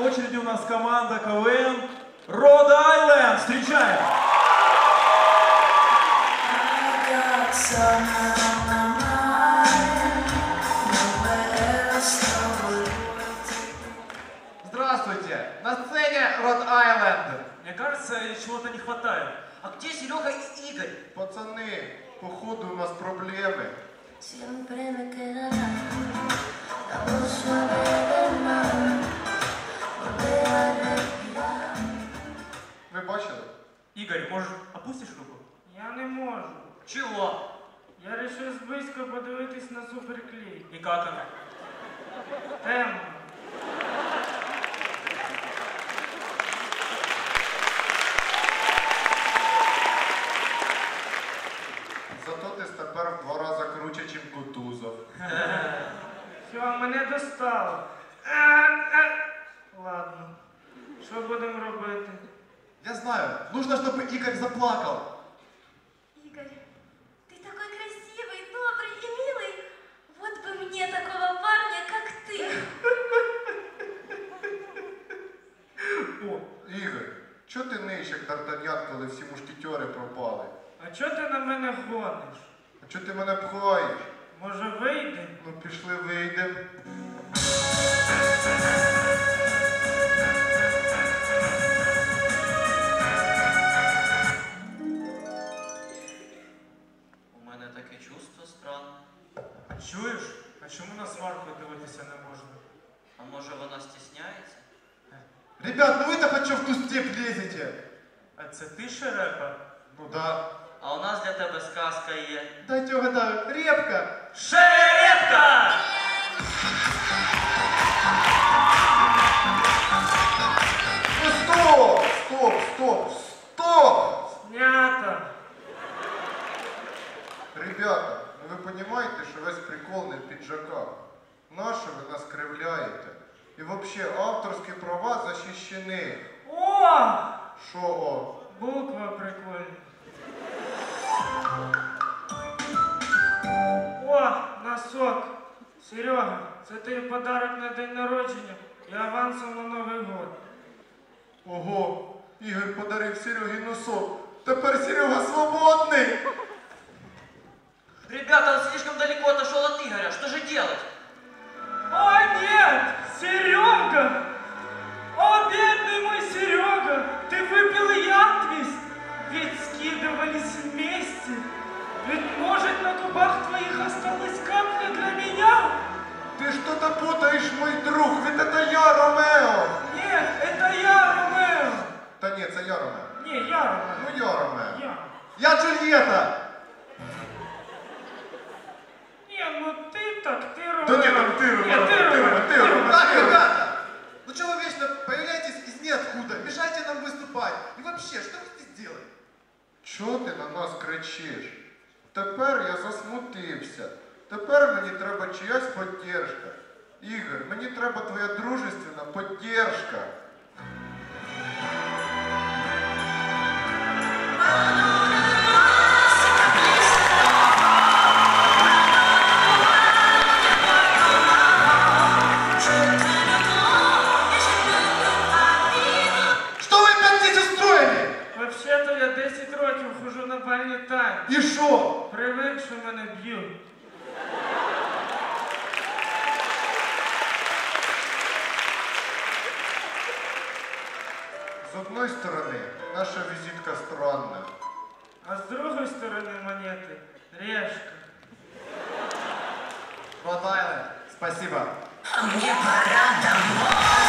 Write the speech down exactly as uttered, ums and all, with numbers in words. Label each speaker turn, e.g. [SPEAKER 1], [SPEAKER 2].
[SPEAKER 1] в очереди у нас команда КВН Rhode Island. Встречаем!
[SPEAKER 2] Здравствуйте! На сцене Rhode Island.
[SPEAKER 1] Мне кажется, чего-то не хватает.
[SPEAKER 3] А где Серега и Игорь?
[SPEAKER 2] Пацаны, походу у нас проблемы. Ви бачили?
[SPEAKER 1] Игорь, может, опустишь руку?
[SPEAKER 4] Я не можу.
[SPEAKER 3] Чего?
[SPEAKER 4] Я вирішив зблизька подивитись на суперклей.
[SPEAKER 1] И как она?
[SPEAKER 4] Темно.
[SPEAKER 2] Зато ти тепер в два рази круче, ніж Кутузов.
[SPEAKER 4] Все, мене достало. Ладно. Що будемо робити?
[SPEAKER 2] Я знаю, нужно, чтобы Игорь заплакал.
[SPEAKER 5] Игорь, ты такой красивый, добрый и милый. Вот бы мне такого парня, как ты.
[SPEAKER 2] О, Ігор, чого ти ниш, як Д'Артаньян, коли всі мушкетери пропали?
[SPEAKER 4] А чого ти на мене гониш?
[SPEAKER 2] А чого ти мене пхаєш?
[SPEAKER 4] Може вийдемо?
[SPEAKER 2] Ну пішли, вийдемо.
[SPEAKER 3] У мене таке чувство странне.
[SPEAKER 4] Чуєш? А чому на сварку дивитися не можна?
[SPEAKER 3] А може вона стісняється?
[SPEAKER 2] Ребят, ну ви-то хоть що в ту степь лезете?
[SPEAKER 4] А це ти шерепа?
[SPEAKER 2] Ну да.
[SPEAKER 3] А у нас для тебе сказка є.
[SPEAKER 2] Дайте угадаю, репка.
[SPEAKER 1] Шерепка!
[SPEAKER 2] Ну стоп, стоп, стоп, стоп!
[SPEAKER 4] Снято.
[SPEAKER 2] Ребята, ну ви розумієте, що весь прикол не в піджаках. Нащо ви нас кривляєте? І взагалі авторські права захищені.
[SPEAKER 4] О!
[SPEAKER 2] Що о?
[SPEAKER 4] Буква прикольна. О, носок. Серега, це тобі подарок на день народження і авансом на Новий год.
[SPEAKER 2] Ого, Ігор подарив Серегі носок. Тепер Серега свободний.
[SPEAKER 3] Ребята, он слишком далеко отошел от Игоря. Что же делать?
[SPEAKER 4] О, нет! Серега! О, бедный мой Серега! Ты выпил яд весь! Ведь скидывались вместе! Ведь, может, на губах твоих осталась капля для меня?
[SPEAKER 2] Ти что-то путаєш, мой друг, ведь это я, Ромео.
[SPEAKER 4] Нет, это я, Ромео!
[SPEAKER 2] Та ні, це я, Ромео.
[SPEAKER 4] Не, я, Ромео.
[SPEAKER 2] Ну я, Ромео.
[SPEAKER 4] Я.
[SPEAKER 2] Я Джульєта.
[SPEAKER 4] Не, ну ты так, ты Ромео.
[SPEAKER 2] Да нет, там ты, Ромео.
[SPEAKER 4] Нет, ты Ромео.
[SPEAKER 2] ты, Ромео.
[SPEAKER 6] Так, ребята, ну что вы вечно появляетесь из ниоткуда, мешаете нам выступать? И вообще, что вы здесь делаете?
[SPEAKER 2] Чого ти на нас кричиш? Тепер я засмутився. Тепер мені треба чиясь поддержка. Ігор, мені треба твоя дружественна поддержка.
[SPEAKER 6] Что вы опять здесь устроили?
[SPEAKER 4] Вообще-то я десять років хожу на бальні танці.
[SPEAKER 2] І що?
[SPEAKER 4] Привик, що мене б'ють.
[SPEAKER 2] З одної сторони, наша візитка странна.
[SPEAKER 4] А с другой стороны монеты решка.
[SPEAKER 6] Rhode Island, спасибо.
[SPEAKER 7] Мне пора домой.